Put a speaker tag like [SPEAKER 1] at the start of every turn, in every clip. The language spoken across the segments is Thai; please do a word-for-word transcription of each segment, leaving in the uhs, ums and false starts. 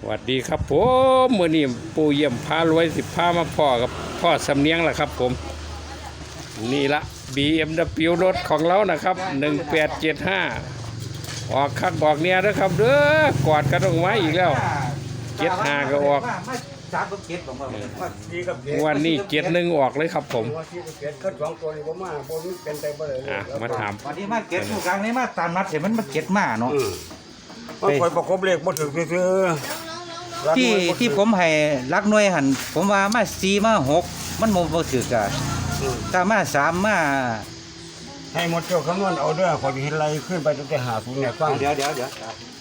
[SPEAKER 1] สวัสดีครับผมมื่อนี้ปู่เยี่ยมพารวยสิบพามาพ่อกับพ่อสำเนียงแหละครับผมนี่ละ บี เอ็ม ดับเบิลยู รถของเรานะครับหนึ่งแปดเจ็ดห้าออกคักออกเนี่ยนะครับเด้อกอดกันออกมาอีกแล้วเจ็ดห้าก็ออกวันนี้เจ็ดหนึ่งออกเลยครับผมอ่ะมาถาม
[SPEAKER 2] วันนี้มาเก็ตผู้กลางนี้มาตามนัดเห็นมันมาเก็ตมาเนาะ
[SPEAKER 3] มันคอยประกบเลขบ่ถึงซื่อ
[SPEAKER 2] ที่ที่ผมให้รักหน่วยหันผมว่ามาสี่มาหกมันโมบ่ถือกะถ้ามาสามมา
[SPEAKER 3] ให้หมดเจ้าคำนวณเอาเด้อขอสิเฮ็ดไรขึ้นไปตั้งแต่หาศูนย์เนี่ยฟัง
[SPEAKER 2] เดี๋ยวเดี๋ยวเดี๋ยว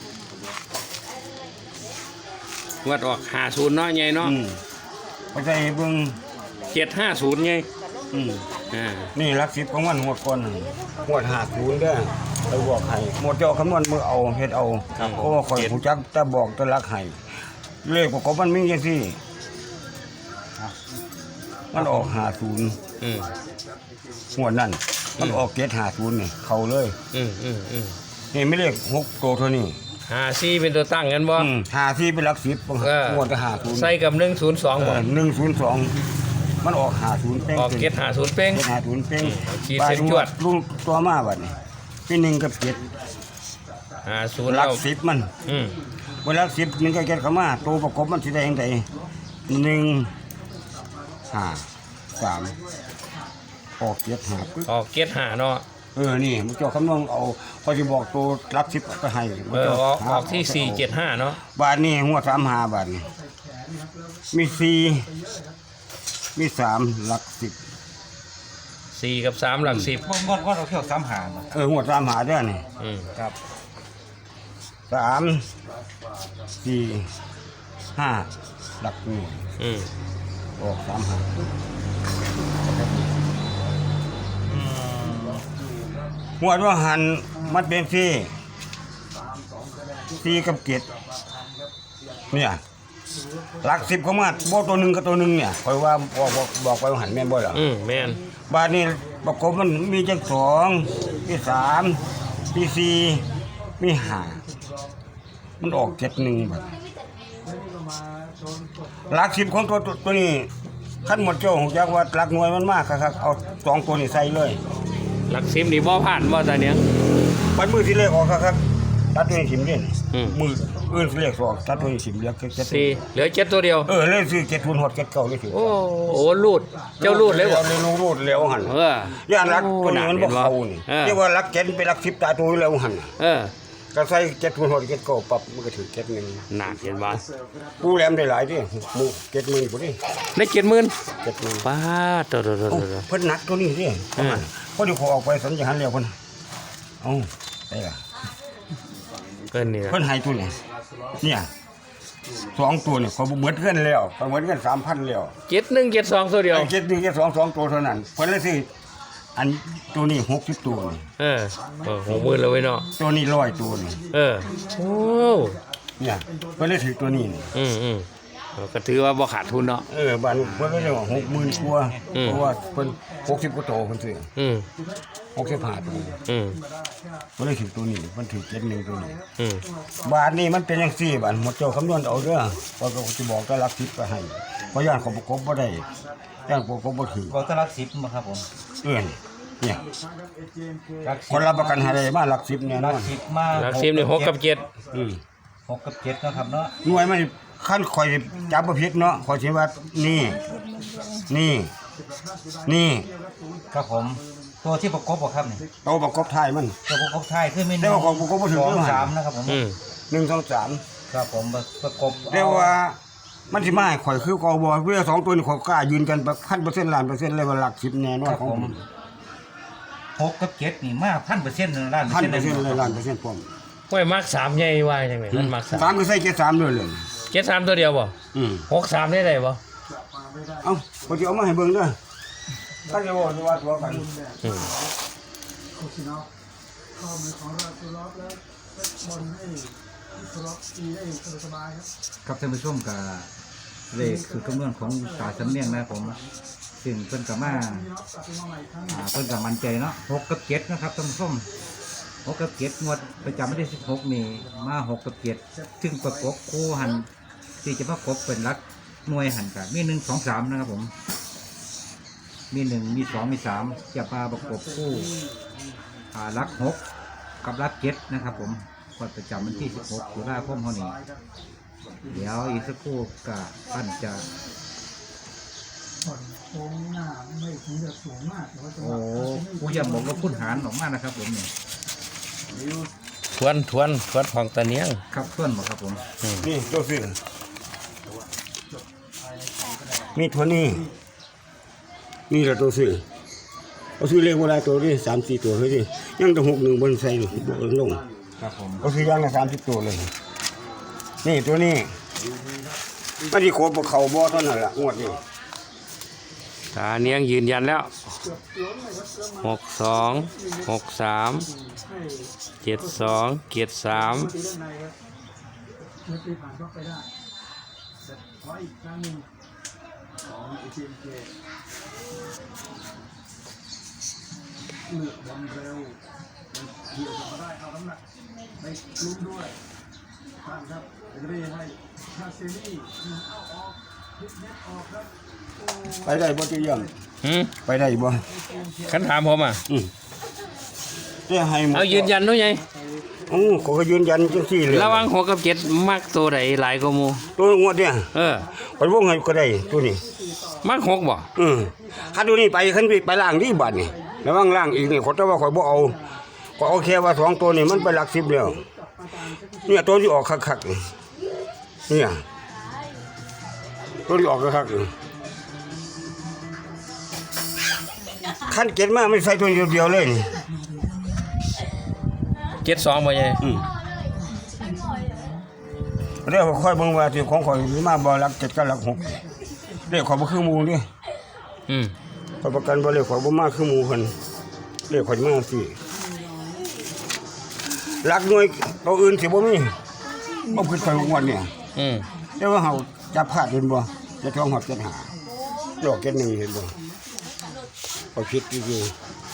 [SPEAKER 1] วัดออกหาศูนย์เนาะไงเนาะ
[SPEAKER 3] ไปใส่เบิ่ง
[SPEAKER 1] เจ็ดห้าศูนย์ไง
[SPEAKER 3] อืม
[SPEAKER 1] อ่า
[SPEAKER 3] นี่หลักสิบของมันหวดก่อนหวดหาศูนย์เด้อไปบอกให้หมดเจ้าคำนวณมือเอาเฮ็ดเอาเพราะว่าข่อยผู้จักแต่บอกแต่รักให้เลขประกบมันมีจังซี่มันออกหาศูนย์
[SPEAKER 1] อืม
[SPEAKER 3] หวดนั่นมันออกเจ็ดหาศูนย์นี่เข้าเลย
[SPEAKER 1] อืมอืมอืม
[SPEAKER 3] นี่ไม่เลขหกตัวเท่านี้
[SPEAKER 1] หาซี่เป็นตัวตั้งกันบ่
[SPEAKER 3] หาซี่เป็นหลักสิบหวดจะหาศูนย์
[SPEAKER 1] ใส่กับหนึ่งศูนย์สองบ่
[SPEAKER 3] หนึ่งศูนย์สองมันออกหาศูนย์เป้ง
[SPEAKER 1] ออกเจ็ดหาศูนย์เป้ง
[SPEAKER 3] หาศูนย์เป้ง
[SPEAKER 1] ชีเซ็นจวด
[SPEAKER 3] ลุงตัวมาบัดนี้พี่หนึ่งกับเจ็ด
[SPEAKER 1] หาศูนย์
[SPEAKER 3] หลักสิบมัน
[SPEAKER 1] อืม
[SPEAKER 3] เวลาสิบหนึ่งกับเจ็ดเข้ามาตัวประกบมันสิได้ยังไงหนึ่งห้าสามออกเจ็ดหา
[SPEAKER 1] ออกเจ็ดหาเนาะ
[SPEAKER 3] เออนี่มันจะคำนวณเอาพอจะบอกตัวรับสิบไปให้
[SPEAKER 1] เออออกออกที่สี่เจ็ดห้าเนาะ
[SPEAKER 3] บาทนี่หัวสามหาบาทนี่มีสี่มีสามหลักสิบ
[SPEAKER 1] สี่กับสามหลักสิบ
[SPEAKER 2] งดงดเราเที่ยวสามหา
[SPEAKER 3] เออหัวสามหาด้วยนี่
[SPEAKER 1] อืมครับ
[SPEAKER 3] สามสี่ห้าหลักหนึ่ง
[SPEAKER 1] อืม
[SPEAKER 3] ออกสามหาหัวว่าหันมัดเป็นสี่สี่กับเกตเนี่ยหลักสิบเขามาบ่ตัวหนึ่งกับตัวหนึ่งเนี่ยคอยว่าบอกบอกบอกไปว่าหันแม่นบ่หรอ
[SPEAKER 1] อืมแม่น
[SPEAKER 3] บ้านนี้ประกบมันมีจังสองมีสามมีสี่มีห้ามันออกเจ็ดหนึ่งบาทหลักสิบของตัวตัวนี้ขั้นหมดเจ้าของจักว่าหลักหน่วยมันมากครับเอาสองตัวนี้ใส่เลย
[SPEAKER 1] หลักสิบนี่บ่ผ่านบ่ตาเนี้ย
[SPEAKER 3] ปันมือที่เลขออกครับตัดตัวนี้สิมเด่นมืออื่นเลขสองตัดตัวนี้สิมเหลือเจ็ด
[SPEAKER 1] สี่เหลือเจ็ดตัวเดียว
[SPEAKER 3] เออเลขสี่เจ็ดทุนหดเจ็ดเก้าเลยสิ
[SPEAKER 1] โอ้โหรูดเจ้ารูดเลยบ่
[SPEAKER 3] เลยลงรูดแล้วหัน
[SPEAKER 1] เอ
[SPEAKER 3] อย่านรักตัวนี้มันบ่เข้านี่เรียกว่ารักเจ็ดเป็นรักสิบตาตัวแล้วหัน
[SPEAKER 1] เออ
[SPEAKER 3] ก็ใส่เจ็ดทุนหดเจ็ดเก้าปรับมันก็ถือเจ็ดหนึ่ง
[SPEAKER 1] หนักเห็นบ่
[SPEAKER 3] ปูแหลมได้หลายดิหมูเจ็ดหมื่นพอดี
[SPEAKER 1] ได้เจ็ดหมื่น
[SPEAKER 3] เจ็ดหมื่น
[SPEAKER 1] ป้าตัวตัวตัว
[SPEAKER 3] เพิ่นนักตัวนี้ดิพอดีขอออกไปสัญญาณแล้วเพิ่นเอ้าได้ล่ะ
[SPEAKER 1] เพิ่นนี่
[SPEAKER 3] เพิ่นให้ตัวนี้เนี่ยสองตัวเนี่ยเขาเหมือนกันแล้วเขาเหมือนกันสามพันแล้ว
[SPEAKER 1] เจ็ดหนึ่งเจ็ดสองตัวเดียว
[SPEAKER 3] เจ็ดหนึ่งเจ็ดสองสองตัวเท่านั้นเพิ่นเลยสิอันตัวนี้หกสิบตัวนี่
[SPEAKER 1] เออเออหกหมื่นแล้วเว้ยเนาะ
[SPEAKER 3] ตัวนี้ร้อยตัวนี่
[SPEAKER 1] เออโอ้
[SPEAKER 3] เนี่ยเพิ่นเลยถือตัวนี้
[SPEAKER 1] อืมอืมก็ถือว่าบ่ขาดทุนเนาะ
[SPEAKER 3] เออบ้านเพิ่นก็เรียกว่าหกหมื่นกว่าเพราะว่าเพิ่นหกสิบกว่าตัวเพิ่นซื้อ
[SPEAKER 1] อืม
[SPEAKER 3] หกสิบห้าตัว
[SPEAKER 1] อืม
[SPEAKER 3] เพิ่นเลยถือตัวนี้เพิ่นถือเจ็ดหนึ่งตัวนี้
[SPEAKER 1] อืม
[SPEAKER 3] บาทนี้มันเป็นจังซี่บาทหมดเจ้าคำนวณเอาเด้อพอก็สิบอกก็รับสิบไปให้เพราะย่านเขาประกบบ่ได้ย่านประกบบ่ถือ
[SPEAKER 2] บอกจะรักสิบมาครับผม
[SPEAKER 3] เอื้อนเนี่ยคนรับประกันให้ได้มาหลักสิบเนี่ยนะ
[SPEAKER 2] สิบมา
[SPEAKER 1] หลักสิบนี่หกกับเจ็ด
[SPEAKER 3] อืม
[SPEAKER 2] หกกับเจ็ดนะครับเนาะ
[SPEAKER 3] หน่วยมันขั้นคอยจับประพิษเนาะคอยสิว่านี่นี่นี่
[SPEAKER 2] ครับผมตัวที่ประกบบ่ครับนี่
[SPEAKER 3] ตัวประกบท้ายมัน
[SPEAKER 2] ตัวประกบท้ายคือมี
[SPEAKER 3] เรียกว่าของประกบบ่ถึง
[SPEAKER 2] สามนะครับผม
[SPEAKER 3] หนึ่งสองสาม
[SPEAKER 2] ครับผมประกบ
[SPEAKER 3] เรียกว่ามันสิมาข่อยคือกบเพื่อสองตัวนี้ข่อยกล้ายืนกันแบบพันเปอร์เซ็นต์ล้านเปอร์เซ็นต์เลยว่าหลักสิบแน่นอนของผม
[SPEAKER 2] หกกับเจ็ดนี่มากพันเปอร์เซ็นต์ล้าน
[SPEAKER 3] พันเปอร์เซ็นต์เลยล้านเปอร์เซ็นต์ผม
[SPEAKER 1] ห้วยมักสามใหญ่ว่าจังได๋มันมักสาม
[SPEAKER 3] สามก็ใส่เจ็ดสามด้วยเลย
[SPEAKER 1] เจ็ดสามตัวเดียวบ่
[SPEAKER 3] อืม
[SPEAKER 1] หกสามได้ได้บ่
[SPEAKER 3] เอ้าบ่สิเอามาให้เบิ่งเด้อถ้าจะว่าว่าตัวกัน
[SPEAKER 1] อืม
[SPEAKER 4] ข้อมือของเราตัวล็อกแล้วบอลให้ตัวล็อกตีได้สบายครับ
[SPEAKER 2] ครับท่านผู้ชมกับเลขคือคำนวณของตาสำเนียงนะผมซึ่งเพิ่นกับมาเพิ่นกับมั่นใจเนาะหกกับเจ็ดนะครับท่านผู้ชมหกกับเจ็ดงวดประจำวันที่สิบหกนี่มาหกกับเจ็ดซึ่งประกบคู่หันที่จะประกบเป็นรักหน่วยหันกันมีหนึ่งสองสามนะครับผมมีหนึ่งมีสองมีสามจะมาประกบคู่อ่ารักหกกับรักเจ็ดนะครับผมกดประจำวันที่สิบหกตุลาคมเท่านี้เดี๋ยวอีกสักครู่กับท่านจะ
[SPEAKER 4] ผ่อนโค้งหน้าไม่ถึงจะสูงมากแต่ว่าจังห
[SPEAKER 2] โอ้
[SPEAKER 4] วะ
[SPEAKER 2] ผู้ยังบอกว่าพุ่นหารออกมานะครับผมเนี่ย
[SPEAKER 1] ทวนทวนทวนของตะเนียง
[SPEAKER 2] ครับเพื่อนบอกครับผม
[SPEAKER 3] นี่ตัวซื้อมีตัวนี้นี่แหละตัวซื้อเอาซื้อเลขโบราณตัวนี้สามสี่ตัวเฮ้ยดิยังต้องหกหนึ่งบนใส่บนลง
[SPEAKER 2] ครับผม
[SPEAKER 3] เอาซื้อย่างละสามสิบตัวเลย นี่ตัวนี้มันที่โคบเขาบ่อเท่านั้นแหละงวดนี้
[SPEAKER 1] ตาเนียงยืนยันแล้วหกสองหกสามเจ็ดสองเจ็ดสาม
[SPEAKER 4] ตีด้านในครับเมื่อตีผ่านก็ไปได้แต่ขออีกครั้งหนึ่งของเอทีเอ็มเคเลือกบอลเร็วเกี่ยวกับมาได้เอาน้ำหนักไปลุ้นด้วยท่านครับเดรีให้คาเซนี่เอาออกพิกเน็ตออกครับ
[SPEAKER 3] ไปได้บ่ตัวยัง
[SPEAKER 1] หืม
[SPEAKER 3] ไปได้บ่
[SPEAKER 1] คันถามผมอ่ะ
[SPEAKER 3] อืมแต่ให้หมด
[SPEAKER 1] เอายืนยันด้วยไง
[SPEAKER 3] โอ้เขาก็ยืนยันจังซี่เลย
[SPEAKER 1] ระหวังหกกับเจ็ดมักตัวไหนหลายกว่าหมู
[SPEAKER 3] ตัวงวดเนี่ย
[SPEAKER 1] เออ
[SPEAKER 3] ไปวงให้ก็ได้ตัวนี้
[SPEAKER 1] มักหกบ่
[SPEAKER 3] อืมคันตัวนี้ไปคันไปไปล่างนี่บัดนี่ระวังล่างอีกนี่ขอแต่ว่าข่อยบ่เอาข่อยเอาแค่ว่าสองตัวนี่มันไปหลักสิบแล้วเนี่ยตัวที่ออกคักๆนี่เนี่ยตัวที่ออกคักๆนี่คันเก็ดมาไม่ใส่ตัวเดียวๆเลยนี่
[SPEAKER 1] เจ็ดสองบ่ไง
[SPEAKER 3] อืมเรียกว่าค่อยเบิ่งว่าที่ของข่อยมีมาบ่หลักเจ็ดกับหลักหกเรียกข่อยบ่คือหมู่นี่
[SPEAKER 1] อืม
[SPEAKER 3] ข่อยประกันบ่เรียกข่อยบ่มาคือหมู่เพิ่นเรียกข่อยมาสิหลักหน่วยตัวอื่นสิบ่มีบ่คิดไปงวดเนี่ย
[SPEAKER 1] อืม
[SPEAKER 3] แต่ว่าเฮาจับพลาดเห็นบ่จะท้องหอดเจ็ดหาดอกเจ็ดหนึ่งเห็นบ่ข่อยคิดอยู่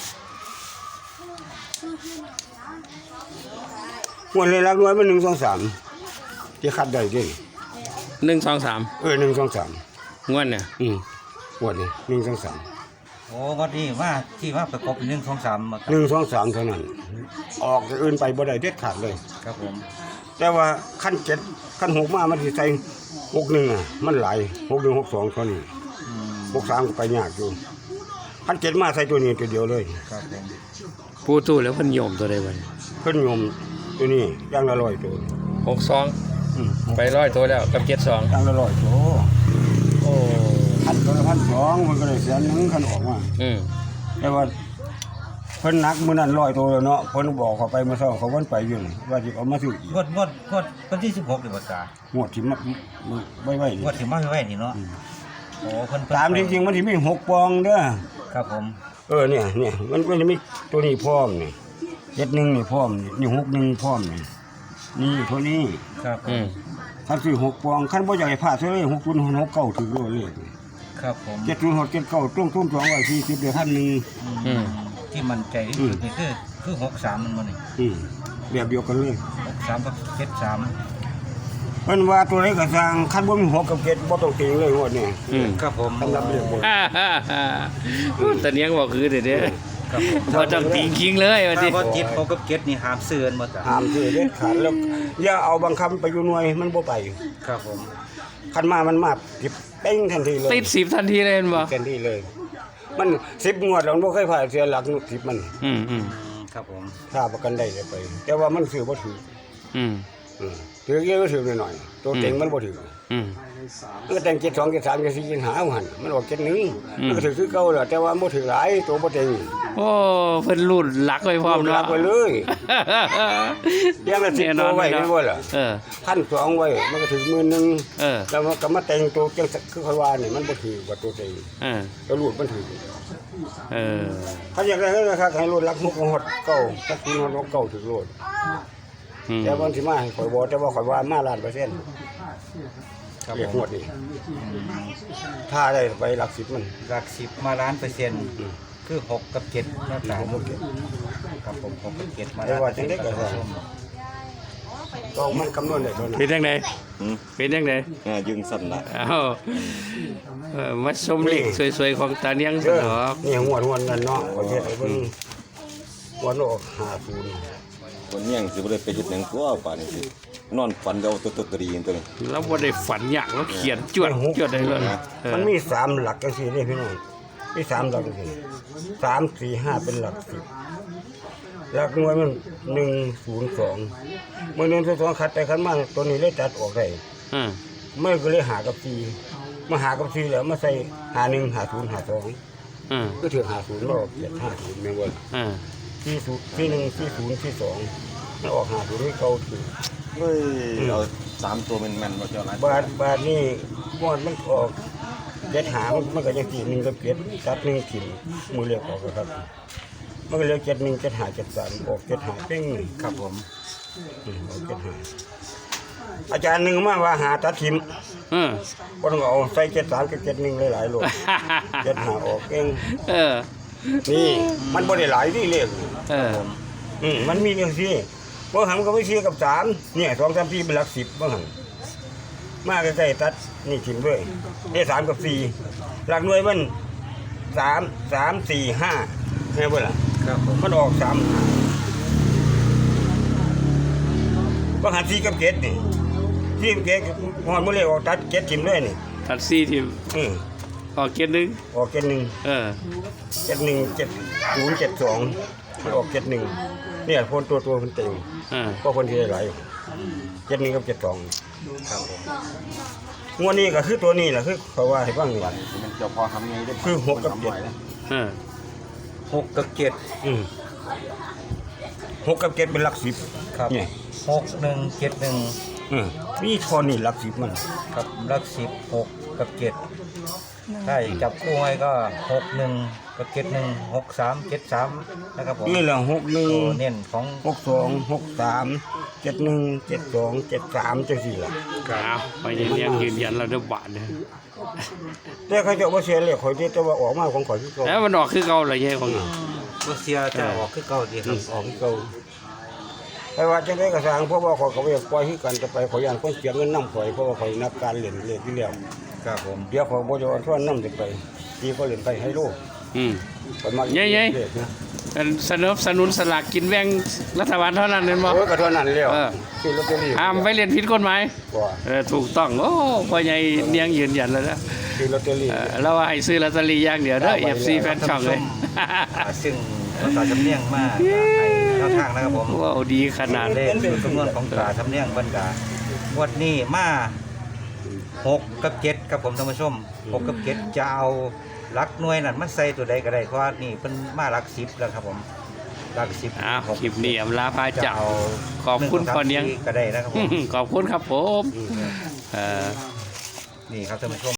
[SPEAKER 3] ๆงวดเลยหลักหน่วยมันหนึ่ง สอง สามที่คัดได้เด้
[SPEAKER 1] หนึ่งสองสาม
[SPEAKER 3] เออหนึ่ง สอง สาม
[SPEAKER 1] งวดเนี่ย
[SPEAKER 3] อืมงวดนี้หนึ่ง สอง สาม
[SPEAKER 2] โอ้วันนี้ว่าที่ว่าประกบเป็นหนึ่งสองสามมาค
[SPEAKER 3] ห
[SPEAKER 2] รับ
[SPEAKER 3] นึ่ง สอง สามเท่านั้น ออกจากอื่นไปบ่ได้เด็ดขาดเลย
[SPEAKER 2] ครับผม
[SPEAKER 3] แต่ว่าขั้นเจ็ดขั้นหกมามันสิใส่หกหนึ่งอ่ะมันหลายหกหนึ่งหกสองเท่านี้
[SPEAKER 2] อืม
[SPEAKER 3] หกสามก็ไปยากอยู่ขั้นเจ็ดมาใส่ตัวนี้ตัวเดียวเลย
[SPEAKER 2] ครับผม
[SPEAKER 1] ปูตู้แล้วเพิ่นโยมตัวใดบ่
[SPEAKER 3] เพิ่นโยมตัวนี้ย่างละร้อยตัว
[SPEAKER 1] หกสอง
[SPEAKER 3] อืม
[SPEAKER 1] ไปร้อยตัวแล้วกับเจ็ดสอง
[SPEAKER 3] ย่างละร้อยตัว
[SPEAKER 1] โอ้
[SPEAKER 3] ขั้นตัวละพันสองมันก็เลยแสนหนึงขั้นออกมา
[SPEAKER 1] อืม
[SPEAKER 3] แต่ว่าเพิ่นนักมื้อนั้นร้อยตัวแล้วเนาะเพิ่นบอกเขาไปเมื่อเช้าเขาวันไปอยู่นี่ว่าสิเอามาซื้ออีก
[SPEAKER 2] งวดงวดงวดวันที่สิบหกเดือนกาง
[SPEAKER 3] วดที่มาไว้ไว้นี่
[SPEAKER 2] งวดที่มาไว้นี่เนาะโอ้เพิ่นเพิ่น
[SPEAKER 3] ตามจริงๆมันสิมีหกปองเด้อ
[SPEAKER 2] ครับผม
[SPEAKER 3] เออเนี่ยเนี่ยมันมันจะมีตัวนี้พร้อมนี่เจ็ดหนึ่งนี่พร้อมนี่นี่หกหนึ่งพร้อมนี่นี่ตัวนี้
[SPEAKER 2] ครับผ
[SPEAKER 1] อื
[SPEAKER 2] ม
[SPEAKER 1] ม
[SPEAKER 3] คันซื้อหกปองคันบ่อยากให้พลาดซะเลยหกศูนย์หกเก้าถึงโลเลย
[SPEAKER 2] ครับผม
[SPEAKER 3] เจ็ดศูนย์หกเจ็ดเก้าตุ้งตุ้งสองร้อยสี่สิบเดือนพันหนึ่ง
[SPEAKER 1] อืม
[SPEAKER 2] ที่มันใจที่สุดนี่คือคือหกสามมันมันนี่
[SPEAKER 3] อืมแบบเดียวกันเลย
[SPEAKER 2] หกสามกับเจ็ดสาม
[SPEAKER 3] เพิ่นว่าตัวไหนก็สร้างคันบ่มีหกกับเจ็ดบ่ต้องติงเลยงวดนี้
[SPEAKER 1] อืม
[SPEAKER 2] ครับผม
[SPEAKER 3] สำหรับเรื่องบน
[SPEAKER 1] ฮ่าฮ่าฮ่าตะเนียงบอกคือเด้อเด้อ
[SPEAKER 2] ครับผม
[SPEAKER 1] บ่ต้องติงคิงเลยว่า
[SPEAKER 2] ถ้า
[SPEAKER 1] สิ
[SPEAKER 2] ว่าเจ็ดหกกับเจ็ดนี่ห้ามเสื่อนหมดอ่ะ
[SPEAKER 3] ห้ามซื้อเด็ดขาดแล้วอย่าเอาบางคำไปอยู่หน่วยมันบ่ไป
[SPEAKER 2] ครับผม
[SPEAKER 3] คันมามันมาสิบเป้งทันทีเลย
[SPEAKER 1] ติดสิบทันทีเลยเห็นบ่
[SPEAKER 3] ทันทีเลย มันสิบงวดแล้วมันบ่เคยผ่านเสียหลักสิบมัน
[SPEAKER 1] อืมอืม
[SPEAKER 2] ครับผม
[SPEAKER 3] ถ้าประกันได้จะไป แต่ว่ามันซื้อบ่ถือ
[SPEAKER 1] อืม
[SPEAKER 3] อืมถือเยอะก็ถือหน่อยๆตัวเต็งมันบ่ถือ
[SPEAKER 1] อืม
[SPEAKER 3] มันก็แต่งเจ็ดสองเจ็ดสามเจ็ดสี่เจ็ดห้าเอาหันมันออกเจ็ดหนึ่งมันก็ถือคือเก่าแหละแต่ว่าบ่ถือหลายตัวบ่เต็ง
[SPEAKER 1] โอ้เพิ่นรูดหลักไว้พร้อม
[SPEAKER 3] รั
[SPEAKER 1] เนาะ
[SPEAKER 3] กไว้เลยเลี้ยังละสิบตัวไว้ไม่ว่าล่ะ
[SPEAKER 1] เออ
[SPEAKER 3] พันสองไว้มันก็ถือหมื่นหนึง
[SPEAKER 1] เออ
[SPEAKER 3] แล้วมันก็มาแต่งตัวจังคือค่อยว่านี่มันบ่ถือว่าตัวเต็ง
[SPEAKER 1] เออ
[SPEAKER 3] ตัวรูดมันถือ
[SPEAKER 1] เออ
[SPEAKER 3] เขาอยากได้ก็ครับให้รูดรักมุกของฮอดเก่าถ้าคุณฮอดเก่าถือรูด
[SPEAKER 1] อืม
[SPEAKER 3] แต่บางทีมาให้ข่อยบอกแต่ว่าข่อยว่ามาล้านเปอร์เซ็นต์
[SPEAKER 2] ครับ
[SPEAKER 3] เรียก
[SPEAKER 2] ผ
[SPEAKER 3] หม
[SPEAKER 2] ม
[SPEAKER 3] ดนี่ถ้าได้ไปหลักสิบมัน
[SPEAKER 2] หลักสิบมาล้านเปอร์เซ็นต์คือหกกับเจ็ดหน้าตาครับผมหกกับเจ็ดมา
[SPEAKER 3] แต่
[SPEAKER 2] ล้าน
[SPEAKER 3] ว่าจังได้ก็
[SPEAKER 2] ค
[SPEAKER 3] ได้
[SPEAKER 2] รับผม
[SPEAKER 3] ก็มันคำนวณได้เท่านั้น
[SPEAKER 1] เป็นยังไง
[SPEAKER 5] อืม
[SPEAKER 1] เป็นยังไง
[SPEAKER 5] อ่ายึงสั่นละ
[SPEAKER 1] อ้าวเออมาชมเลขสวยๆของตาเนียงส
[SPEAKER 3] เด้อน
[SPEAKER 1] อ
[SPEAKER 3] นี่หัวหัวนั่นเนาะประเทศไอ้เบิ่งหัวโลกห้าศูนย์
[SPEAKER 5] คนเนี้ยงสิบ่ได้ไปเฮ็ดหยังตัวป่านนี้สินอนฝันเอาตัวตัวตรีตัวนี้
[SPEAKER 1] แล้วบ่ได้ฝันอยากแล้วเขียนจวดจวดได้เลยเออ
[SPEAKER 3] มันมีสามหลักจังซี่นี่พี่น้องมีสามหลักจังซี่สามสี่ห้าเป็นหลักสิบหลักหน่วยมันหนึ่งศูนย์สองเมื่อหนึ่งศูนย์สองคัดไปคัดมาตัวนี้เลยตัดออกได้
[SPEAKER 1] อ่า
[SPEAKER 3] เมื่อก็เลยหากับสี่มาหากับสี่แล้วมาใส่หาหนึ่งหาศูนย์หาสอง
[SPEAKER 1] อ่า
[SPEAKER 3] ก็ถือหาศูนย์มาออกเจ็ดห้าศูนย์แม่งว่า
[SPEAKER 1] อ่า
[SPEAKER 3] สี่ศูนย์สี่หนึ่งสี่ศูนย์สี่สองมันออกหาศูนย์นี่เก่าถือ
[SPEAKER 5] เฮ้ยเอาสามตัวแม่นๆบ่เจ้าหลาย
[SPEAKER 3] บาทบาทนี่มอดมันออกเจ็ดหามันมันก็ยังสี่หนึ่งกับเจ็ดตัดหนึ่งถิ่มมือเรียกออกแล้วครับมันก็เลยเจ็ดหนึ่งเจ็ดหาเจ็ดสามออกเจ็ดหาเป้ง
[SPEAKER 2] ครับผม
[SPEAKER 3] อืมออกเจ็ดหาอาจารย์หนึ่งมาว่าหาตัดถิ่ม
[SPEAKER 1] อืม
[SPEAKER 3] ก็ต้องเอาใส่เจ็ดสามกับเจ็ดหนึ่งหลายๆโลเจ็ดหาออกเอง
[SPEAKER 1] เออ
[SPEAKER 3] นี่มันบ่ได้หลายที่เลข
[SPEAKER 1] เออ
[SPEAKER 3] อืมมันมีอย่างที่บ่หันก็ไม่เชียกับสามเนี่ยสองสามสี่เป็นหลักสิบบ่หันมาใกล้ๆตัดนี่ถิ่มด้วยได้สามกับสี่หลักหน่วยมันสามสามสี่ห้าไงเบ่ล่ะ
[SPEAKER 2] ครับผม
[SPEAKER 3] มันออกสามบ่หันสี่กับเจ็ดนี่สี่กับเจ็ดหอนบ่เลยออกตัดเจ็ดถิ่มด้วยนี่
[SPEAKER 1] ทัดซี่ทีม
[SPEAKER 3] อืม
[SPEAKER 1] ออกเกียร์หนึง
[SPEAKER 3] ออกเจ็ดหนึ่ง
[SPEAKER 1] เออ
[SPEAKER 3] เจ็ดหนึ่งเจ็ดศูนย์เจ็ดสองมันออกเจ็ดหนึ่งเนี่ยคนตัวตัวมันเต็ม
[SPEAKER 1] อ่า
[SPEAKER 3] ก็คนที่ได้หลายเจ็ดหนึ่งกับเจ็ดสองงวดนี้ก็คือตัวนี้แหละคือเขาว่าให้บ้างนี่
[SPEAKER 5] สิมันเจ้าพ่อทำไงได้
[SPEAKER 3] คือหกกับเจ็ด
[SPEAKER 1] เออ
[SPEAKER 2] หกกับเจ็ด
[SPEAKER 3] อืมหกกับเจ็ดเป็นหลักสิบ
[SPEAKER 2] ครับ
[SPEAKER 3] เนี่ย
[SPEAKER 2] หกหนึ่งเจ็ดหนึ่ง
[SPEAKER 3] อืมมีทอนนี่หลักสิบมัน
[SPEAKER 2] กับลักสิบหกกับเจ็ดใช่จับคู่ไว้ก็หกหนึ่งกับเจ็ดหนึ่งหกสามเจ็ดสามนะครับผม
[SPEAKER 3] นี่แหละหกหนึ่ง
[SPEAKER 2] ตัวเน้นของ
[SPEAKER 3] หกสองหกสามเจ็ดหนึ่งเจ็ดสองเจ็ดสามจังสี่ละ
[SPEAKER 1] เอาไปเรียนยืนยันเราเด้อบาทเนี่ย
[SPEAKER 3] แต่เขาจะว่าเสียเลยข่อยที่แต่ว่าออกมาของข่อยที่เขา
[SPEAKER 1] แล้วมันออกคือเก่าเลยยัยของ
[SPEAKER 2] รัสเซียจะออกคือเก่าดีค
[SPEAKER 3] อื
[SPEAKER 2] รับ
[SPEAKER 3] มออกที่เขาแต่ว่าจังได้กระสร้างเพราะว่าข่อยก็บ่อยากปล่อยให้กันจะไปข่อยย่านคนเสียเงินนำข่อยเพราะว่าข่อยนักการเล่นเล่นที่แล้ว
[SPEAKER 2] ครับผม
[SPEAKER 3] เดี๋ยวข่อยบ่จะเอาทวนนำจะไปที่ก็เล่นไปให้โล
[SPEAKER 1] อืม
[SPEAKER 3] ข่อยมา
[SPEAKER 1] เย้ๆ
[SPEAKER 3] เลขนะ
[SPEAKER 1] สนับสนุนสลากกินแบ่งรัฐบาลเท่านั้นเองบ่
[SPEAKER 3] โอ้ยก็เท่านั้นแล้ว
[SPEAKER 1] เออ
[SPEAKER 3] ซื้อลอตเตอรี่
[SPEAKER 1] ห้ามไปเรียนผิดกฎหมาย
[SPEAKER 3] บ่
[SPEAKER 1] เออถูกต้องโอ้พ่อใหญ่เนียงยืนยันแล้วนะ
[SPEAKER 3] ซื้อลอตเตอรี่
[SPEAKER 1] เออเราว่าให้ซื้อลอตเตอรี่อย่างเดียวเด้อ เอฟ ซี แฟนช่องเลย
[SPEAKER 2] อ่าซึ่งภาษาจำเนียงมากในแนวทางนะครับผม
[SPEAKER 1] ว้าวดีขนาด
[SPEAKER 2] เลขสูตรคำนวณของตราจำเนียงบรรดาวันนี้มาหกกับเจ็ดครับผมท่านผู้ชมหกกับเจ็ดจะเอาหลักหน่วยนั่นมันใส่ตัวใดก็ได้เพราะว่านี่เป็นมาหลักสิบแล้วครับผมหลักสิบ
[SPEAKER 1] อ้าวคลิปนี้อำลาพา
[SPEAKER 2] จะ
[SPEAKER 1] เจ้า
[SPEAKER 2] เอา
[SPEAKER 1] ขอบคุณพ่อเนียง
[SPEAKER 2] ก็ได้นะครับผม
[SPEAKER 1] ขอบคุณครับผม เออ
[SPEAKER 2] นี่ครับท่านผู้ชม